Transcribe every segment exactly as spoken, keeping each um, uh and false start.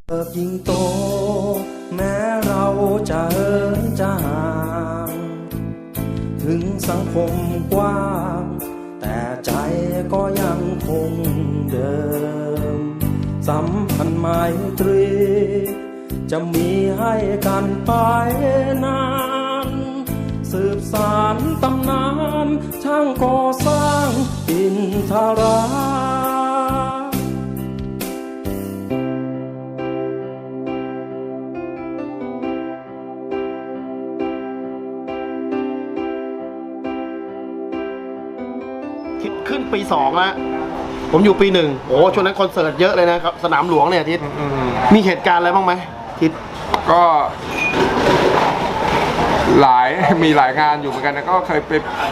เติบยิ่งโตแม้เราจะเหินจะห่างถึงสังคมกว้างแต่ใจก็ยังคงเดิมสัมพันธ์ไมตรีจะมีให้กันไปนานสืบสานตำนานช่างก่อสร้างอินทราขึ้นปีสองแล้วผมอยู่ปีหนึ่งโอ้ช่วงนั้นคอนเสิร์ตเยอะเลยนะครับสนามหลวงเนี่ยทิศมีเหตุการณ์อะไรบ้างไหมทิศก็หลายมีหลายงานอยู่เหมือนกันนะก็เคยไป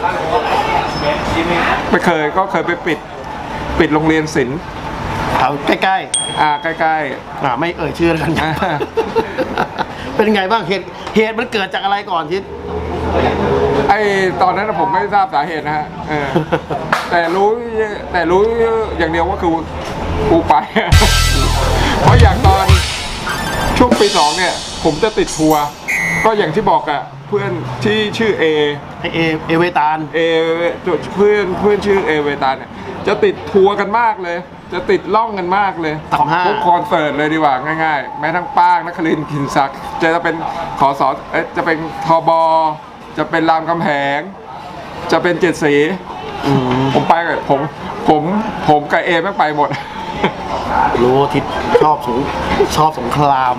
ไม่เคยก็เคยไปปิดปิดโรงเรียนศิลป์แถวใกล้ๆอ่าใกล้ๆอ่าไม่เอ่ยชื่อกันเป็นไงบ้างเหตุเหตุมันเกิดจากอะไรก่อนทิศไอตอนนั้นผมไม่ทราบสาเหตุนะฮะแต่รู้แต่รู้อย่างเดียวว่าคือกูไปเพราะอย่างตอนช่วงปีสองเนี่ยผมจะติดทัวร์ก็อย่างที่บอกอะเพื่อนที่ชื่อเอเอเอเวตาลเอเพื่อนเพื่อนชื่อเอเวตาลเนี่ยจะติดทัวร์กันมากเลยจะติดล่องกันมากเลยทุกคอนเสิร์ตเลยดีกว่าง่ายๆแม้ทั้งป้างนครินทร์กินศักดิ์จะเป็นขอสอจะเป็นทบจะเป็นรามคำแหงจะเป็นเจ็ดสีผมไปกับผมผมผมกับเอไม่ไปหมดรู้ทิศชอบสงชอบสงคราม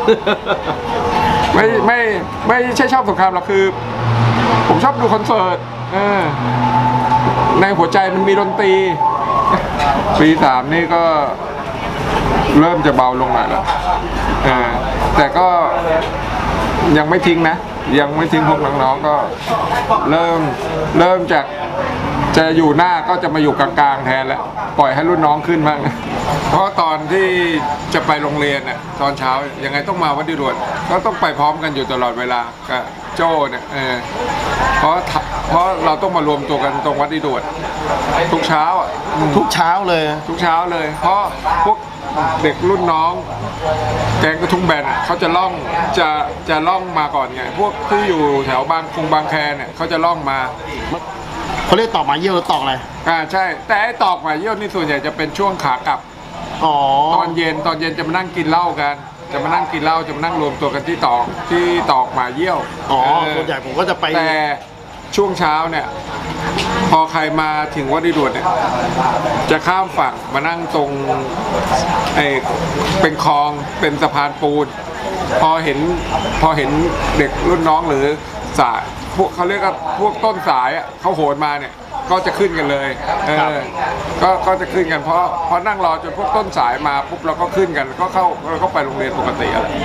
ไม่ไม่ไม่ใช่ชอบสงครามหรอกคือผมชอบดูคอนเสิร์ตในหัวใจมันมีดนตรีปีสามนี่ก็เริ่มจะเบาลงหน่อยแล้วแต่ก็ยังไม่ทิ้งนะยังไม่ทิ้งพวกน้องๆก็เริ่มเริ่มจากจะอยู่หน้าก็จะมาอยู่กลางๆแทนแล้วปล่อยให้รุ่นน้องขึ้นบ้างเพราะตอนที่จะไปโรงเรียนเนี่ยตอนเช้ายังไงต้องมาวัดดิรวดก็ต้องไปพร้อมกันอยู่ตลอดเวลากับโจ้เนี่ยเออเพราะเพราะเราต้องมารวมตัวกันตรงวัดดิรวดทุกเช้าอ่ะทุกเช้าเลยทุกเช้าเลยเพราะพวกเด็กรุ่นน้องแกงกระทุ่งแบนอ่ะเขาจะล่องจะจะล่องมาก่อนไงพวกที่อยู่แถวบางคงบางแคเนี่ยเขาจะล่องมาเขาเรียกตอกหมาเยี่ยวหรือตอกอะไรอ่าใช่แต่ไอ้ตอกหมาเยี่ยวนี่ส่วนใหญ่จะเป็นช่วงขากลับอ๋อตอนเย็นตอนเย็นจะมานั่งกินเหล้ากันจะมานั่งกินเหล้าจะมานั่งรวมตัวกันที่ตอกที่ตอกหมาเยี่ยวอ๋อส่วนใหญ่ผมก็จะไปแต่ช่วงเช้าเนี่ยพอใครมาถึงวัดดิรวดเนี่ยจะข้ามฝั่งมานั่งตรงไอ้เป็นคลองเป็นสะพานปูนพอเห็นพอเห็นเด็กรุ่นน้องหรือสายพวกเขาเรียกว่าพวกต้นสายอ่ะเขาโหนมาเนี่ยก็จะขึ้นกันเลยเออก็ก็จะขึ้นกันเพราะพอนั่งรอจนพวกต้นสายมาปุ๊บเราก็ขึ้นกันก็เข้าเราก็ไปโรงเรียนปกติอะไร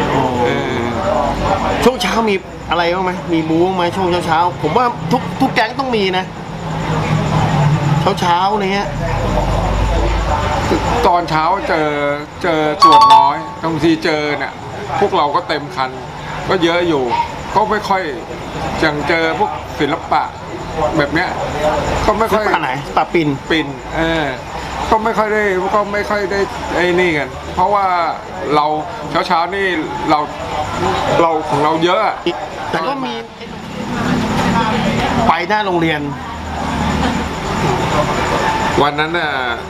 ช่วงเช้ามีอะไรบ้างไหมมีบู๊บ้างไหมช่วงเช้าเช้าผมว่าทุกทุกแก๊งต้องมีนะเช้าเช้าเนี้ยตอนเช้าเจอเจอส่วนน้อยบางทีเจอเนี่ยพวกเราก็เต็มคันก็เยอะอยู่ก็ไม่ค่อยจังเจอพวกศิลปะแบบเนี้ยก็ไม่ค่อยไหนปะปินปินเออก็ไม่ค่อยได้ก็ไม่ค่อยได้ไอ้นี่กันเพราะว่าเราเช้าเช้านี่เราเราของเราเยอะแต่ก็มีไปหน้าโรงเรียนวันนั้นน่ะ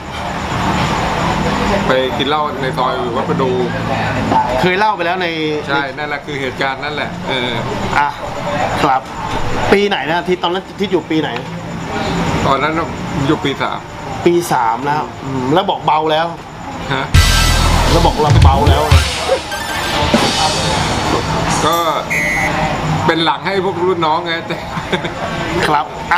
ไปกินเหล้าในซอยวัดประดูเคยเล่าไปแล้วในใช่นั่นแหละคือเหตุการณ์นั่นแหละเอออ่ะครับปีไหนนะที่ตอนนั้นที่อยู่ปีไหนตอนนั้นอยู่ปีสามปีสามแล้วแล้วบอกเบาแล้วฮะแล้วบอกเราเบาแล้วก็เป็นหลังให้พวกรุ่นน้องไงแต่ครับอ่ะ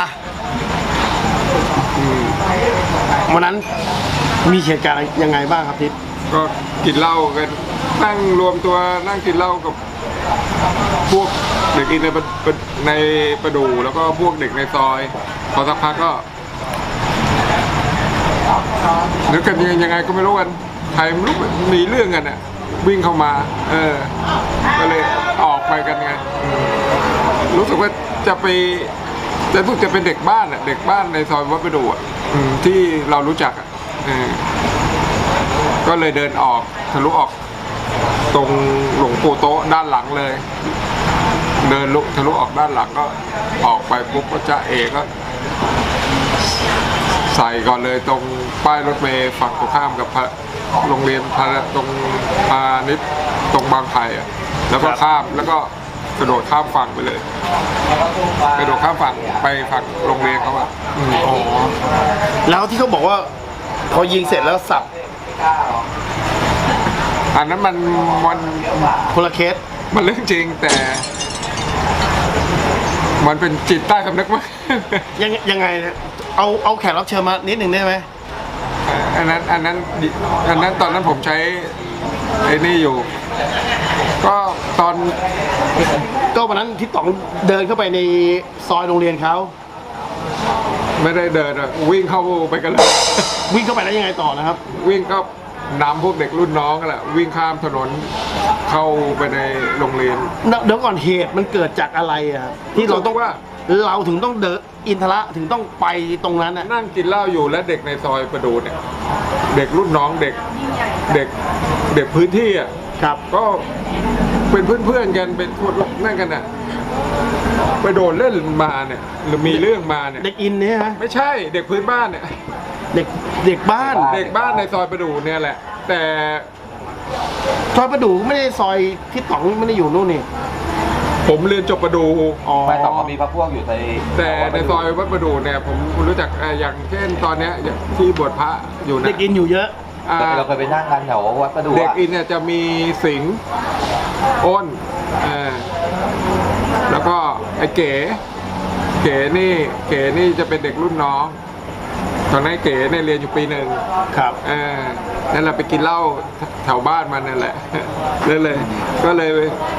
วันนั้นมีเหตุการณ์ยังไงบ้างครับทิศก็กินเหล้ากันนั่งรวมตัวนั่งกินเหล้ากับพวกเด็กในในประดูแล้วก็พวกเด็กในซอยพอสักพักก็นึกกันยังไงก็ไม่รู้กันใครไม่รู้มีเรื่องกันอ่ะวิ่งเข้ามาเออก็เลยออกไปกันไงรู้สึกว่าจะไปจะรู้จะเป็นเด็กบ้านอ่ะเด็กบ้านในซอยวัดประดูอ่ะที่เรารู้จักอ่ะก็เลยเดินออกทะลุออกตรงหลวงปู่โต๊ะด้านหลังเลย เดินลุกทะลุออกด้านหลังก็ออกไปปุ๊บก็จะเอก็ใส่ก่อนเลยตรงป้ายรถเมล์ฝั่งตรงข้ามกับโรงเรียนพาตรงพาณิชย์ตรงบางไผ่อะแล้วก็ข้ามแล้วก็กระโดดข้ามฝั่งไปเลยกระโดดข้ามฝั่งไปฝั่งโรงเรียนเขาอะอืมอ๋อแล้วที่เขาบอกว่าพอยิงเสร็จแล้วสับอันนั้นมันมันคนละเคสมันเรื่องจริงแต่ มันเป็นจิตใต้สำนึกมั้งยังยังไงเนี่ยเอาเอาแขกรับเชิญมานิดหนึ่งได้ไหมอันนั้นอันนั้นอันนั้นตอนนั้นผมใช้ไอ้นี่อยู่ ก็ตอนก็วันนั้นที่ต๋องเดินเข้าไปในซอยโรงเรียนเขาไม่ได้เดินอะวิ่งเข้าไปกันเลยวิ่งเข้าไปแล้วยังไงต่อนะครับวิ่งก็นำพวกเด็กรุ่นน้องกันแหละวิ่งข้ามถนนเข้าไปในโรงเรียนเดี๋ยวก่อนเหตุมันเกิดจากอะไรอ่ะที่เราต้องว่าเราถึงต้องเดินอินทระถึงต้องไปตรงนั้นอ่ะนั่งกินเหล้าอยู่และเด็กในซอยประดูเนี่ยเด็กรุ่นน้องเด็กเด็กเด็กพื้นที่อ่ะครับก็เป็นเพื่อนๆกันเป็นคนนั่นกันน่ะไปโดนเล่นมาเนี่ยหรือมีเรื่องมาเนี่ยเด็กอินเนี่ยฮะไม่ใช่เด็กพื้นบ้านเนี่ยเด็กเด็กบ้านเด็กบ้านในซอยประดูเนี่ยแหละ แต่ซอยประดูไม่ได้ซอยที่ต๋องไม่ได้อยู่นู่นนี่ผมเรียนจบประดูอ๋อไม่ต้องก็มีพระพวกอยู่ในแต่ในซอยวัดประดูเนี่ยผมรู้จักเอ่ออย่างเช่นตอนเนี้ยที่บวชพระอยู่นะเด็กอินอยู่เยอะอ่าเราเคยไปนั่งกันแถววัดประดูเด็กอะอินเนี่ยจะมีสิงห์อ้นเอ่อแล้วก็ไอ้เก๋เก๋นี่เก๋นี่จะเป็นเด็กรุ่นน้องตอนนั้นเก๋เนี่ยเรียนอยู่ปีหนึ่งครับเออนั่นแหละไปกินเหล้าแถวบ้านมันนั่นแหละ นั่นเลย ก็เลย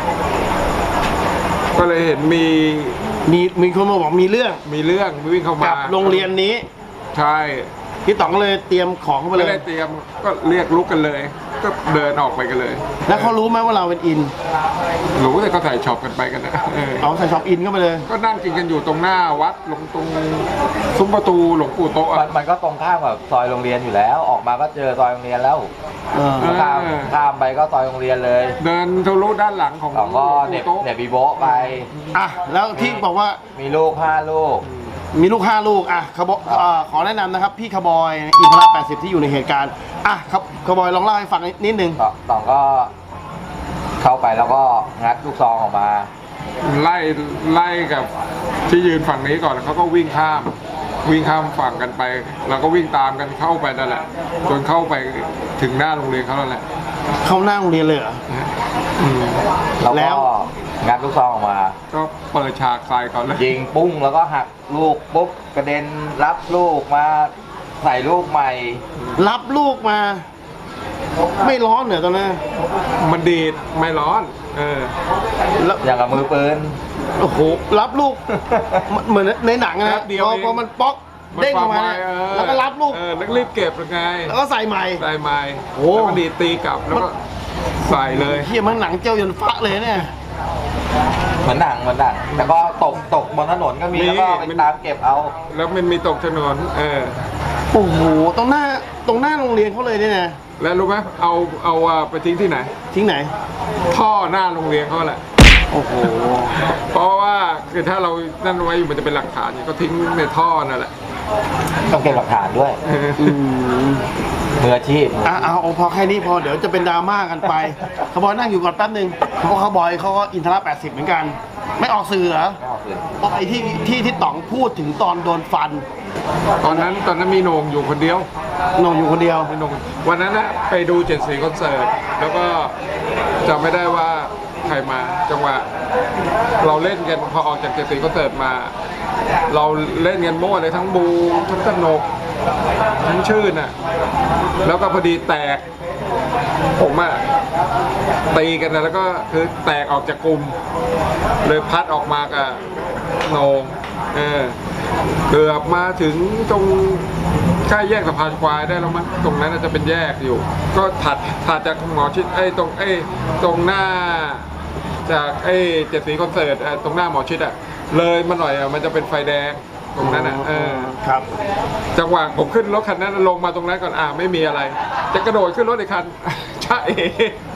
ก็เลยเห็นมีมีมีคนมาบอกมีเรื่องมีเรื่องวิ่งเข้ามากับโรงเรียนนี้ใช่พี่ต๋องเลยเตรียมของเข้าไปไม่เลยได้เตรียมก็เรียกลุกกันเลย ก็เดินออกไปกันเลยแล้วเขารู้ไหมว่าเราเป็นอินรู้แต่ก็ใส่ช็อปกันไปกันนะเออเอาใส่ช็อปอินเข้าไปเลยก็นั่งกินกันอยู่ตรงหน้าวัดลงตรงซุ้มประตูหลวงปู่โตะมันอะมันก็ตรงข้ามกับซอยโรงเรียนอยู่แล้ว ออกมาก็เจอซอยโรงเรียนแล้วเออข้ามข้ามไปก็ซอยโรงเรียนเลยเดินทะลุด้านหลังของหลเราวงก็ปู่เด็กโตะเด็กบีโบะไปอ่ะแล้วที่บอกว่ามีลูกห้าลูกมีลูกห้าลูกอ่ะขบเอ่อขอแนะนำนะครับ พี่ขบอยอินทระแปดสิบที่อยู่ในเหตุการณ์อ่ะครับขบอยลองเล่าให้ฟังนิดนึงต่อต่องก็เข้าไปแล้วก็งัดลูกซองออกมาไล่ไล่กับที่ยืนฝั่งนี้ก่อนเขาก็วิ่งข้าม วิ่งข้ามฝั่งกันไปเราก็วิ่งตามกันเข้าไปนั่นแหละจนเข้าไปถึงหน้าโรงเรียนเขาแล้วแหละเข้าหน้าโรงเรียนเลยเหรออืมแล้วแล้ก็วงัดลูกซองออกมาก็เปิดฉากใส่ก่อนเลยยิงปุ้งแล้วก็หักลูกปุ๊บกระเด็นรับลูกมาใส่ลูกใหม่รับลูกมา ไม่ร้อนเหรอตอนนั้นมันดีดไม่ร้อน เออแล้วอย่างกับมือปืนโอ้โหรับลูกเหมือนในหนังแป๊นะบเดียวพอเองพอมันป๊อกเด้งออกมาไฟเนี่ยเออแล้วก็รับลูกเออแล้วก็รีบเก็บยังไงแล้วก็ใส่ใหม่ใส่ไม้โอ้แล้วก็ดีดตีกลับแล้วก็ใส่เลยเฮียมันหนังเจ้ายันฟ้าเลยเนี่ยเหมือนหนังเหมือนหนังแต่ก็ตกตกบนถนนก็มีมีแล้วก็ไปมันตามเก็บเอาแล้วมันมีตกถนนเออโอ้โหตรงหน้าตรงหน้าโรงเรียนเขาเลยเนี่ยนะแล้วรู้ไหมเอาเอาอ่ะไปทิ้งที่ไหนทิ้งไหนท่อหน้าโรงเรียนเขาแหละโอ้โหเพราะว่าคือถ้าเรานั่นไว้อยู่มันจะเป็นหลักฐานก็ทิ้งในท่อนั่นแหละต้องเก็บหลักฐานด้วยเอออืมมืออาชีพอ่ะเอาเอาพอแค่นี้พอเดี๋ยวจะเป็นดราม่ากันไปขบอยนั่งอยู่ก่อนแป๊บนึงเพราะเขาบอยเขาก็อินทระแปดสิบเหมือนกัน ไม่ออกสื่อเหรอไม่ออกสื่อไอ้ที่ที่ที่ต๋องพูดถึงตอนโดนฟันตอนนั้นตอนนั้นมีโหนงอยู่คนเดียวนงอยู่คนเดียวมีโหนงวันนั้นนะไปดูเจ็ดสีคอนเสิร์ตแล้วก็จำไม่ได้ว่าใครมาจังหวะเราเล่นกันพอออกจากเจ็ดสีคอนเสิร์ตมา เราเล่นกันมั่วเลยทั้งบูทั้งสนกทั้งชื่นอ่ะแล้วก็พอดีแตกผมอ่ะตีกันนะแล้วก็คือแตกออกจากกลุ่มเลยพัดออกมากับโหนงเออเกือบมาถึงตรงใกล้แยกสะพานควายได้แล้วมั้งตรงนั้นน่าจะเป็นแยกอยู่ ก็ถัดถัดจากหมอชิดไอ้ตรงไอ้ตรงหน้า จากไอ้เจ็ดสีคอนเสิร์ตเอ่อตรงหน้าหมอชิดอ่ะเลยมาหน่อยอ่ะมันจะเป็นไฟแดงตรงนั้นอ่ะเออครับจังหวะผมขึ้นรถคันนั้นลงมาตรงนั้นก่อนอ่าไม่มีอะไร จะกระโดดขึ้นรถอีกคัน ใช่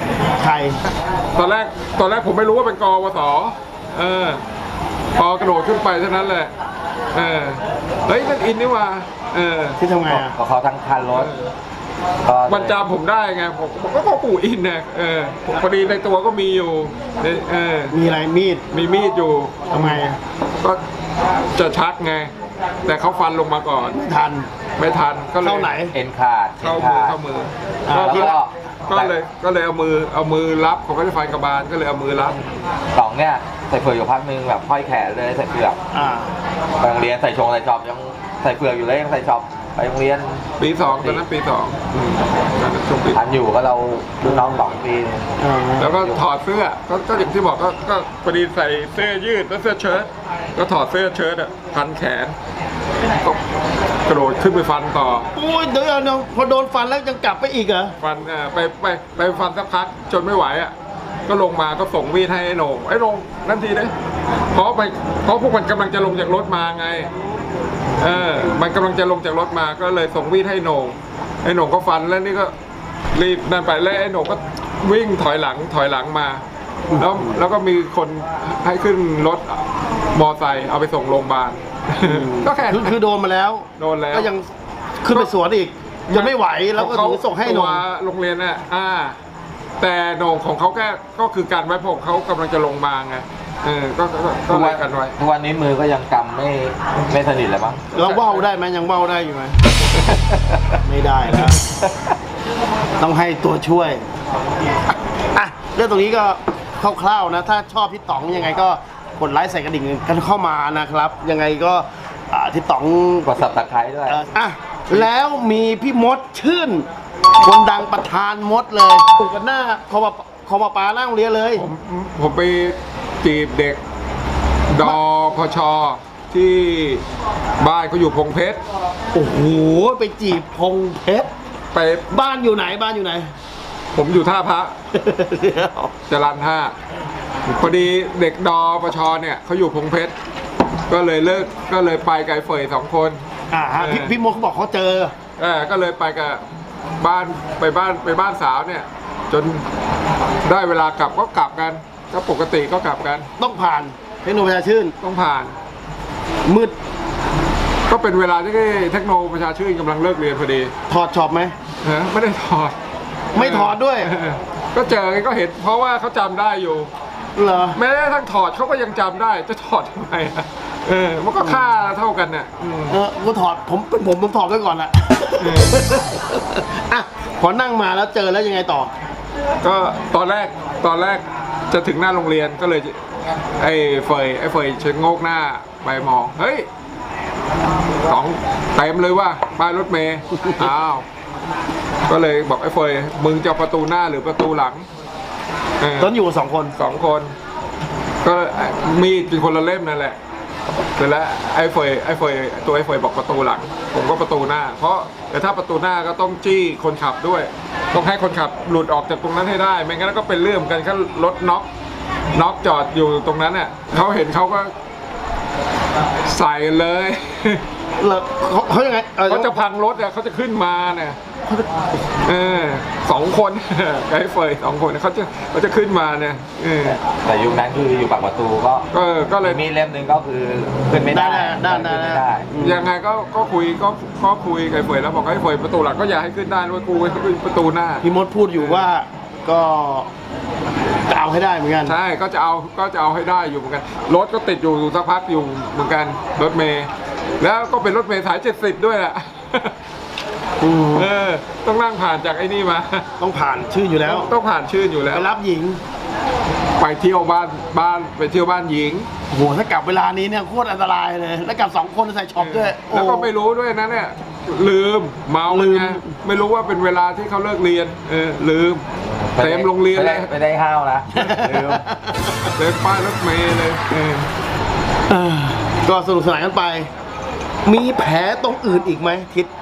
ใครตอนแรกตอนแรกผมไม่รู้ว่าเป็นกวสเออพอกระโดดขึ้นไปเท่านั้นแหละเออเฮ้ยนั่นอินนี่ว่าเออที่ทำไงอ่ะก็เขาทั้งคันรถก็มันจำผมได้ไงผมผมก็พ่อปู่อินนะเออพอดีในตัวก็มีอยู่เออมีอะไรมีดมีมีดอยู่ทำไงอ่ะก็จะชักไง แต่เขาฟันลงมาก่อนไม่ทันไม่ทันก็เลยเข้าไหนเอ็นขาดเข้ามือเข้ามืออ่าก็แล้วที่ก็ก็เลยก็เลยเอามือเอามือรับเขาก็จะฟันกระบาลก็เลยเอามือรับสองเนี่ยใส่เฟือกอยู่พักนึงแบบห้อยแขนเลยใส่เฟือกอ่าไปโรงเรียนใส่ชงใส่ชอบยังใส่เฟือกอยู่เลยยังใส่ชอบไปโรงเรียนปีสองตอนนั้นปีสองอืมตอนนั้นช่วงปีทันอยู่ก็เรารุ่นน้องสองปีแล้วก็ถอดเสื้อก็ก็อย่างที่บอกก็ก็พอดีใส่เสื้อยืดแล้วเสื้อเชิ้ตก็ถอดเสื้อเชิ้ตอ่ะพันแขนก็กระโดดขึ้นไปฟันต่อโอ้ยเดี๋ยวเดี๋ยวพอโดนฟันแล้วยังกลับไปอีกเหรอฟันเอ่อไปไปไปฟันสักพักจนไม่ไหวอ่ะก็ลงมาก็ส่งมีดให้ไอ้โหน่งไอ้โหน่งนั่นทีเลยเพราะไปเพราะพวกมันกำลังจะลงจากรถมาไงเออมันกำลังจะลงจากรถมาก็เลยส่งมีดให้โหน่งไอ้โหน่งก็ฟันแล้วนี่ก็รีบนั่นไปแล้วไอ้โหน่งก็วิ่งถอยหลังถอยหลังมาแล้วแล้วก็มีคนให้ขึ้นรถมอไซค์เอาไปส่งโรงพยาบาลก็แค่คือคือโดนมาแล้วโดนแล้วก็ยังขึ้นไปสวนอีกจนไม่ไหวแล้วก็ถึงส่งให้หนตัมวโรงเรียนน่ะอ่า แต่โหน่งของเขาแค่ก็คือการไว้ผมเขากำลังจะลงมาไงเออก็ก็ก็ทุกไว้วันกันไว้ทุกวันนี้มือก็ยังกำไม่ไม่สนิทเลยมั้งแล้วว่าวได้ไหมยังว่าวได้อยู่ไหม ไม่ได้แล้ว ต้องให้ตัวช่วยอ่ะเรื่องตรงนี้ก็คร่าวๆนะ ถ้าชอบพี่ต๋องยังไงก็กดไลค์ใส่กระดิ่งกันเข้ามานะครับ ยังไงก็อ่าที่ต๋องกดสับตะไคร้ด้วยเอ่ออ่ะแล้วมีพี่มดชื่น คนดังประธานมดเลยปลูกกันหน้าคอมาคอมาปลาหน้าโรงเรียนเลยผมผมไปจีบเด็กดอพชที่บ้านเขาอยู่พงเพชรโอ้โหไปจีบพงเพชรไปบ้านอยู่ไหนบ้านอยู่ไหนผมอยู่ท่าพระเดี๋ยวจรัญห้าพอดีเด็กดอปชเนี่ยเขาอยู่พงเพชรก็เลยเลิกก็เลยไปไกลเฟยสองคนอ่าฮะพี่พี่มดเขาบอกเขาเจอเออก็เลยไปกับบ้านไปบ้านไปบ้านสาวเนี่ย จนได้เวลากลับก็กลับกันก็ปกติก็กลับกันต้องผ่านเทคโนโลยีชื่นต้องผ่านมืดก็เป็นเวลาที่เทคโนประชาชื่นกำลังเลิกเรียนพอดีถอดช็อปไหมฮะไม่ได้ถอดไม่ถอดด้วยเออก็เจอก็เห็นเพราะว่าเขาจำได้อยู่เหรอแม้กระทั่งถอดเขาก็ยังจำได้จะถอดทำไมอะเออมันก็ค่าเท่ากันเนี่ยอืมเออกูถอดผมเป็นผมผมถอดไว้ก่อนแหละเอออ่ะพอนั่งมาแล้วเจอแล้วยังไงต่อก็ตอนแรกตอนแรกจะถึงหน้าโรงเรียนก็เลย ไอ้เฟยไอ้เฟยเชิงโงกหน้าไปมองเฮ้ยสองเต็มเลยว่าป้ายรถเมย์อ้าวก็เลยบอกไอ้เฟยมึงจะเอาประตูหน้าหรือประตูหลังเออตอนอยู่กับสองคนสองคน ก็มีดเป็นคนละเล่มนั่นแหละเสร็จแล้วไอ้เฟยไอ้เฟยตัวไอ้เฟยบอกประตูหลัง ผมก็ประตูหน้า เพราะแต่ถ้าประตูหน้าก็ต้องจี้คนขับด้วย ต้องให้คนขับหลุดออกจากตรงนั้นให้ได้ ไม่งั้นก็เป็นเรื่องกันแค่รถน็อกน็อกจอดอยู่ตรงนั้นเนี่ยเขาเห็นเขาก็ใส่เลยเหรอเขาเขายังไงออเขาจะพังรถอ่ะเขาจะขึ้นมาเนี่ยเออสองคน ไอ้เฟยสองคนเขาจะเขาจะขึ้นมาเนี่ยเออแต่ยุคนั้นคืออยู่ปากประตูก็ก็ก็เลยมีเล่มหนึ่งก็คือขึ้นไม่ได้ได้ได้ขึ้นได้ไม่ได้ได้ยังไงก็ก็คุยก็ก็คุยกับไอ้เฟยแล้วบอกไอ้เฟยประตูหลังก็อย่าให้ขึ้นได้ด้วยกูให้ขึ้นประตูหน้าพี่มดพูดอยู่ว่าก็จะเอาให้ได้เหมือนกันใช่ก็จะเอาก็จะเอาให้ได้อยู่เหมือนกันรถก็ติดอยู่สักพักอยู่เหมือนกันรถเมย์แล้วก็เป็นรถเมย์สายเจ็ดสิบด้วยแหละอืมเออต้องนั่งผ่านจากไอ้นี่มาต้องผ่านชื่ออยู่แล้วต้องผ่านชื่นอยู่แล้วไปรับหญิงไปเที่ยวบ้านบ้านไปเที่ยวบ้านหญิงโอ้โหถ้ากลับเวลานี้เนี่ยโคตรอันตรายเลย แล้วกลับสองคนใส่ช็อปด้วยโอ้แล้วก็ไม่รู้ด้วยนะเนี่ยลืมเมาลืมไงไม่รู้ว่าเป็นเวลาที่เขาเลิกเรียนเออลืมเต็มโรงเรียนไม่เลได้ยไม่ได้ห้าวนะลืมเต็มป้ายรถเมล์เลยเออเออก็สนุกสนานกันไป มีแผลตรงอื่นอีกไหมทิศ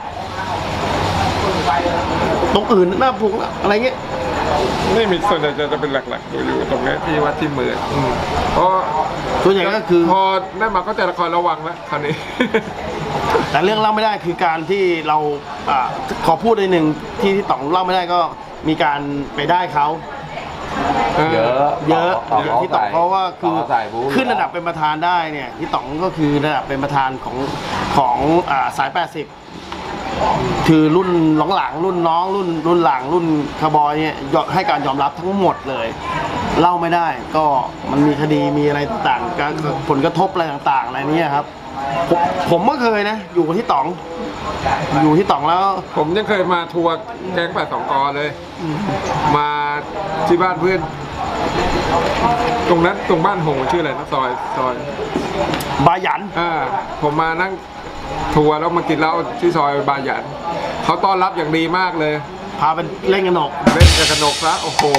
ตรงอื่นหน้าพุงอะไรเงี้ยไม่มีส่วนใหญ่จะเป็นหลักๆอยู่อยู่ตรงนี้ที่วัดที่มืออืมเพราะส่วนใหญ่ก็คือพอได้มาก็จะละครระวังแล้วคราวนี้แต่เรื่องเล่าไม่ได้คือการที่เราอาขอพูดในหนึ่งที่ที่ต๋องเล่าไม่ได้ก็มีการไปได้เขาเยอะเยอะต่อเยอะที่ต๋องเพราะว่าคือต่ใส่บู๊ขึ้นระดับเป็นประธานได้เนี่ยที่ต๋องก็คือระดับเป็นประธานของของอ่าสายแปดสิบคือรุ่นหลังๆรุ่นน้องรุ่นรุ่นหลังรุ่นคาร์บอยเนี่ยยอมให้การยอมรับทั้งหมดเลย เล่าไม่ได้ก็มันมีคดีมีอะไรต่างๆการผลกระทบอะไรต่างๆอะไรเนี่ยครับผมผมก็เคยนะ อยู่กับที่ต๋อง อยู่ที่ต๋องแล้วผมยังเคยมาทัวร์แก๊งแปดสองกอเลย มาที่บ้านเพื่อน ตรงนั้นตรงบ้านหงชื่ออะไรนะซอยซอยบายันอ่าผมมานั่งทัวร์แล้วมากินเหล้าที่ซอยบาหยันเขาต้อนรับอย่างดีมากเลยพาเป็นเล่นกันหนกเล่นกับกระหนกซะโอ้โห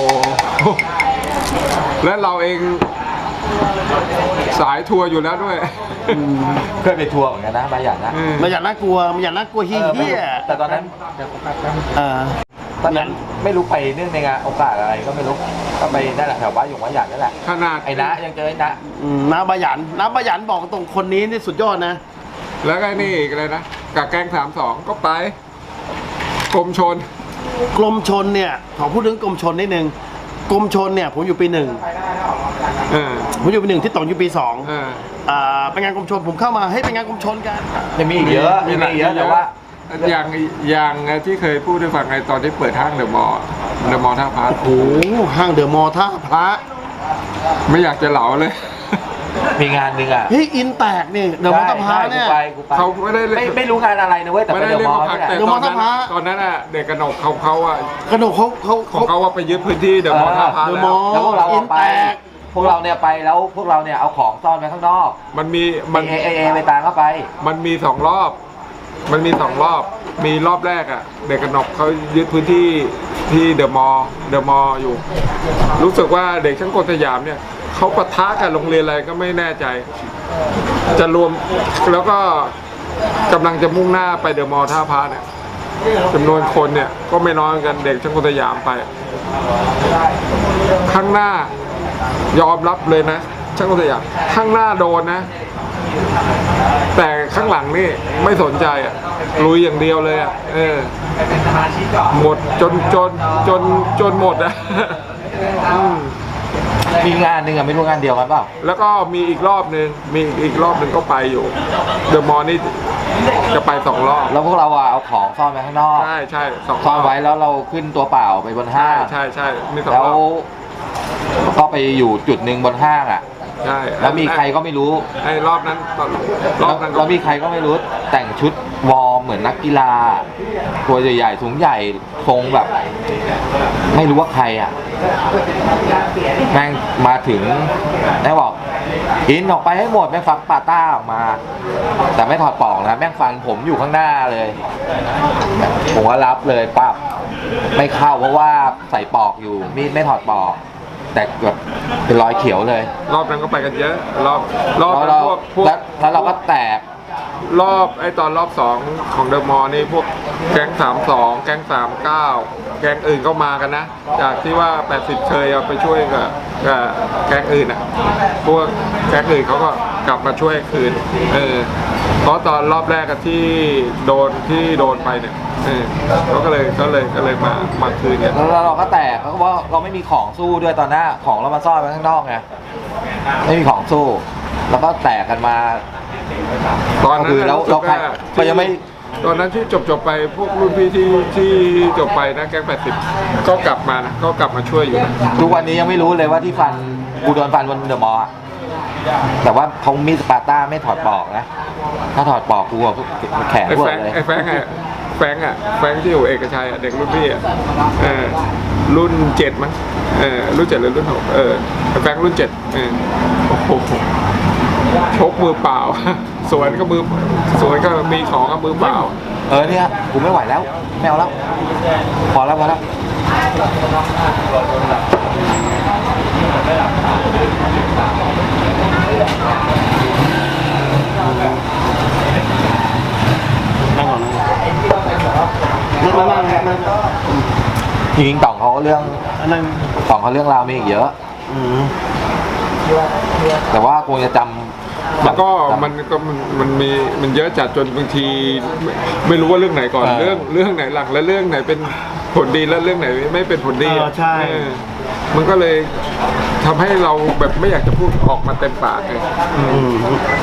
และเราเองสายทัวร์อยู่แล้วด้วยเคยไปทัวร์เหมือนกันนะบาหยันนะอืมบายันน่ากลัวบายันน่ากลัวเฮีเออไม่้ยรู้แต่ตอนนั้นเออตอนนั้นไม่รู้ไปเนื่องในงานโอกาสอะไรก็ไม่รู้ก็ไปนั่นแหละแถวบ้านอยู่บาหยันนั่นแหละขนาดไอ้นะยังเจอไอ้นะอืมน้าบายันน้าบายันบอกตรงคนนี้นี่สุดยอดนะแล้วก็นี่อีกเลยนะกับแก๊งสามสองก็ไปกรมชนกรมชนเนี่ยขอพูดถึงกรมชนนิดนึงกรมชนเนี่ยผมอยู่ปีหนึ่งเออผมอยู่ปีหนึ่งที่ต๋องอยู่ปีสองเอออ่าเป็นงานกรมชนผมเข้ามาให้เป็นงานกรมชนกันยังมีอีกเยอะยังมีอีกเยอะแต่ว่าอย่างอย่างที่เคยพูดให้ฟังไงตอนที่เปิดห้างเดอะมอลล์เดอะมอลล์ท่าพระโอ้โหห้างเดอะมอลล์ท่าพระไม่อยากจะเหลาเลยมีงานหนึ่งอ่ะเฮ้ยอินแตกนี่เดอะมอลล์ท่าพระเนี่ยกูไปกูไปเขาไม่ได้เล่นไม่ไม่รู้งานอะไรนะเว้ยแต่ไม่ไปได้เดอะเล่นมอลล์มาพักนี่แหละแต่เดอะตมออลล์นนั้นท่าพระตอนนั้นอ่ะเด็กกระหนกเขาเขาอ่ะกระโดดเขาเขาของเขาว่าไปยึดพื้นที่เดอะมอลล์ท่าพระเดอะแล้มอวลล์แล้วพวกเราอิอะนไปแตกพวกเราเนี่ยไปแล้วพวกเราเนี่ยเอาของซ่อนไว้ข้างนอกมันมีมัมัน นเอเอเอไปตามเข้าไปมันมีสองรอบ มันมีสองรอบ มีรอบแรกอ่ะ เด็กกระหนกเขายึดพื้นที่ที่เดอะมอลล์เดอะมอลล์อยู่ รู้สึกว่าเด็กช่างกลสยามเนี่ยเขาปะทะกับโรงเรียนอะไรก็ไม่แน่ใจ จะรวมแล้วก็กำลังจะมุ่งหน้าไปเดอะมอลล์ท่าพระเนี่ยจำนวนคนเนี่ยก็ไม่น้อยกันเด็กช่างกลสยามไป ข้างหน้ายอมรับเลยนะ ช่างกลสยามข้างหน้าโดนนะ แต่ข้างหลังนี่ไม่สนใจอ่ะลุยอย่างเดียวเลยอ่ะเออหมดจนจนจนจนหมดอ่ะ อืมมีงานหนึ่งอะไม่รู้งานเดียวกันเปล่าแล้วก็มีอีกรอบหนึ่งมีอีกรอบหนึ่งก็ไปอยู่เดอะมอลล์นี่จะไปสองรอบแล้วพวกเราอะเอาของซ่อนไว้ข้างนอกใช่ใช่สองรซ่ออน บไว้แล้วเราขึ้นตัวเปล่าไปบนห้าใช่งใช่ใช่มีสองแล้รวอบก็ไปอยู่จุดหนึ่งบนห้างอ่ะใช่แล้วมีใครก็ไม่รู้ไอ้รอบนั้นตอนรอบนั้นก็แล้วมีใครก็ไม่รู้แต่งชุดวอร์มเหมือนนักกีฬาตัวใหญ่ๆสูงใหญ่ทรงแบบ ไม่รู้ว่าใครอ่ะแม่งมาถึงแม่งบอกอินออกไปให้หมดแม่งฟักปาต้าออกมา แต่ไม่ถอดปลอกนะแม่งฟันผมอยู่ข้างหน้าเลยผมก็รับเลยปั๊บไม่เข้าเพราะว่าใส่ปลอกอยู่มีดไม่ถอดปลอกแต่แบบเป็นรอยเขียวเลยรอบนั้นก็ไปกันเยอะ รอบรอบแล้วนั้นเราพวกพวกแล้วแล้วเราก็แตกรอบไอ้ตอนรอบสองของเดอะมอลล์นี่พวกแก๊งสามสองแก๊งสามเก้าแก๊งอื่นก็มากันนะ จากที่ว่าแปดสิบเคยเอาไปช่วยกับกับแก๊งอื่นอ่ะพวกแก๊งอื่นเขาก็กลับมาช่วยคืนเออเพราะตอนรอบแรกอะที่โดนที่โดนไปเนี่ยเออเขาก็เลยก็เลยก็เลยมามาคืนเนี่ยแล้วเราก็แตกเขาก็ว่าเราไม่มีของสู้ด้วยตอนหน้าของเรามาซ่อนไว้ข้างนอกไงไม่มีของสู้ แล้วก็แตกกันมาตอนนั้นคือแล้วรู้สึกแล้วใครว่าก็ยังไม่ตอนนั้นที่จบจบๆไปพวกรุ่นพี่ที่ที่จบไปนะแก๊งแปดสิบก็กลับมานะก็กลับมาช่วยอยู่นะทุกวันนี้ยังไม่รู้เลยว่าที่ฟันกูโดนฟันบนเดอะมอลล์อะแต่ว่าเขามีดสปาร์ต้าไม่ถอดปลอกนะ ถ้าถอดปลอกกูอะแขนไอ้เวิแฟร์งเลยไอ้แฟงอะแฟงอะแฟงที่อยู่เอกชัยอะเด็กรุ่นพี่อะเออรุ่นเจ็ดมั้งเออรุ่นเจ็ดหรือรุ่นหกเออไอ้แฟงรุ่นเจ็ดเออโอ้โหชกมือเปล่า สวนก็มือสวนก็มีของกับมือเปล่าเออเนี่ยกูไม่ไหวแล้วไม่เอาแล้วพอแล้วพอแล้วนั่งก่อนนั่งนั่งนั่งนั่งจริงๆต่องเขาเรื่องนั่งต่องเขาเรื่องราวมีอีกเยอะอืมแต่ว่าคงจะจำแล้วก็จำมันก็มันมันมีมันเยอะจัดจนบางทีไม่ไม่รู้ว่าเรื่องไหนก่อนเออเรื่องเรื่องไหนหลังและเรื่องไหนเป็นผลดีและเรื่องไหนไม่เป็นผลดีเอออะใช่เออมันก็เลยทำให้เราแบบไม่อยากจะพูดออกมาเต็มปากเลยอืม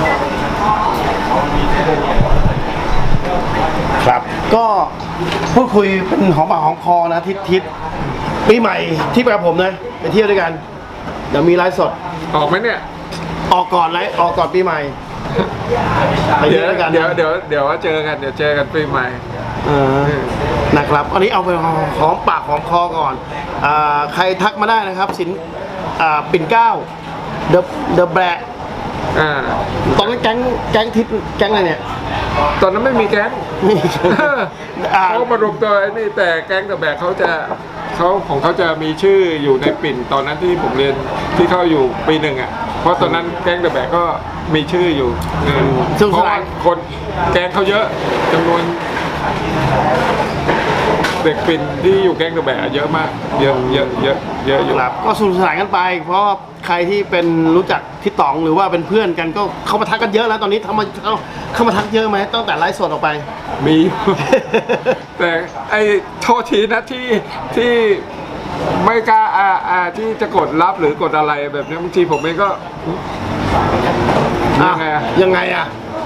ครับ ก็พูดคุยเป็นหอมปากหอมคอนะทิศทิศปีใหม่ที่ไปกับผมนะไปเที่ยวด้วยกัน เดี๋ยวมีไลฟ์สดออกไหมเนี่ยออกก่อนไลฟ์ออกก่อนปีใหม่ไปเดี๋เที่ยยว วด้วยกันเดี๋ยวเดี๋ยวเดี๋ยวเจอกันเดี๋ยวเจอกันปีใหม่เออนะครับอันนี้เอาไปหอมปากหอมคอก่อนอ่าใครทักมาได้นะครับ สินอ่าปิ่นเกล้าเดอะเดอะแบล็อ่าตอนนั้นแก๊งแก๊งทิศแก๊งอะไรเนี่ยตอนนั้นไม่มีแก๊งนี่อ่าเขามารวมตัวไอ้นี่แต่แก๊งแต่แบกเขาจะเขาของเขาจะมีชื่ออยู่ในปิ่นตอนนั้นที่ผมเรียนที่เขาอยู่ปีหนึ่งอ่ะเพราะตอนนั้นแก๊งแต่แบกก็มีชื่ออยู่เออซึ่งเพราะว่าคนแก๊งเขาเยอะจำนวนเด็กปิ่นที่อยู่แก๊งแต่แบกเยอะมากเยอะเยอะเยอะเยอะอยู่ครับก็สนุกสนานกันไป เพราะว่าใครที่เป็นรู้จักพี่ต๋องหรือว่าเป็นเพื่อนกันก็เข้ามาทักกันเยอะแล้วตอนนี้ทำมาเข้าเข้ามาทักเยอะไหมตั้งแต่ไลฟ์สดออกไปมี แต่ไอ้โทษทีนะที่ที่ไม่กล้าอ่าอ่าที่จะกดรับหรือกดอะไรแบบนี้บางทีผมเองก็ยังไงอะยังไงอ่ะ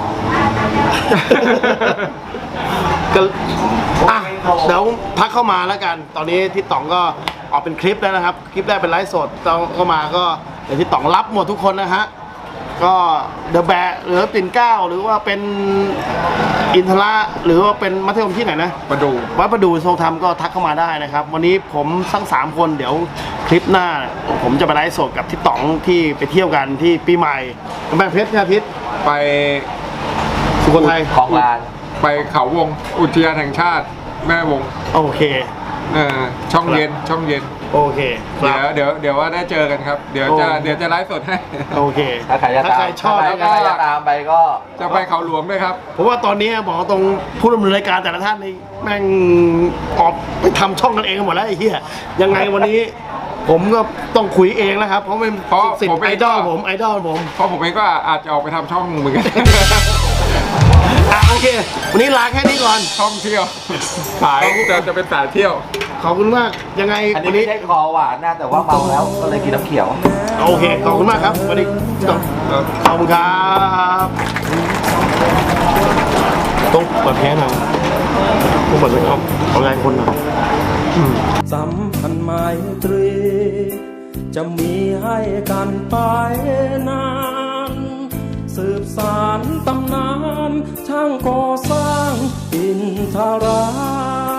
ก็อ่ะเดี๋ยวทักเข้ามาแล้วกัน ตอนนี้ที่ต๋องก็ออกเป็นคลิปแล้วนะครับ คลิปแรกเป็นไลฟ์สดตอนเข้ามาก็เดี๋ยวที่ต๋องรับหมดทุกคนนะฮะ ก็เดอะแบะหรือปิ่นเกล้าหรือว่าเป็นอินทระหรือว่าเป็นมัธยมที่ไหนนะมาดูวัดประดูทรงธรรมก็ทักเข้ามาได้นะครับ วันนี้ผมทั้งสามคนเดี๋ยวคลิปหน้า ผมจะไปไลฟ์สดกับที่ต๋องที่ไปเที่ยวกันที่ปีใหม่กำแพงเพชรนะพิษไปสุโขทัยของลานไปเขาวงอุทยานแห่งชาติแม่วงโอเคเออช่องเย็นช่องเย็นโอเคคเดี๋รัยวบเดี๋ยวเดี๋ยวว่าได้เจอกันครับ เดี๋ยวจะโอ้เดี๋ยวจะไลฟ์สดให้โอเคถ้าใครจะถ้าตามใครชอบถ้าแล้วใคก็รจะตามไปก็จะไปเขาหลวงด้วยครับเพราะว่าตอนนี้บอกตรงผู้ดำเนินรายการแต่ละท่านนี่แม่งออกไปทำช่องกันเองกันหมดแล้วไอ้เหี้ยยังไงวันนี้ ผมก็ต้องคุยเองแล้วครับ เพราะเป็นเพราะสิทผมธิ์เอไองก็ดอลผมไอดอลผมเพราะผมเองก็อาจจะออกไปทำช่องเหมือนกันอ่ะโอเค วันนี้ลาแค่นี้ก่อนท่องเที่ยวสายจะจะเป็นสายเที่ยวขอบคุณมากยังไงอันนี้วันไม่นี้ใช่คอหวานนะแต่ว่าเมาแล้วก็เลยกินน้ำเขียวโอเคขอบคุณมากครับวันนี้ขอบคุณครับต้องเปิดแพ้หน่อยต้องเปิดไว้เอาเอาแรงคนหน่อยสัมพันธ์ไมตรี จะมีให้กันไปนาน สืบสานตำนานช่างก่อสร้างอินทรา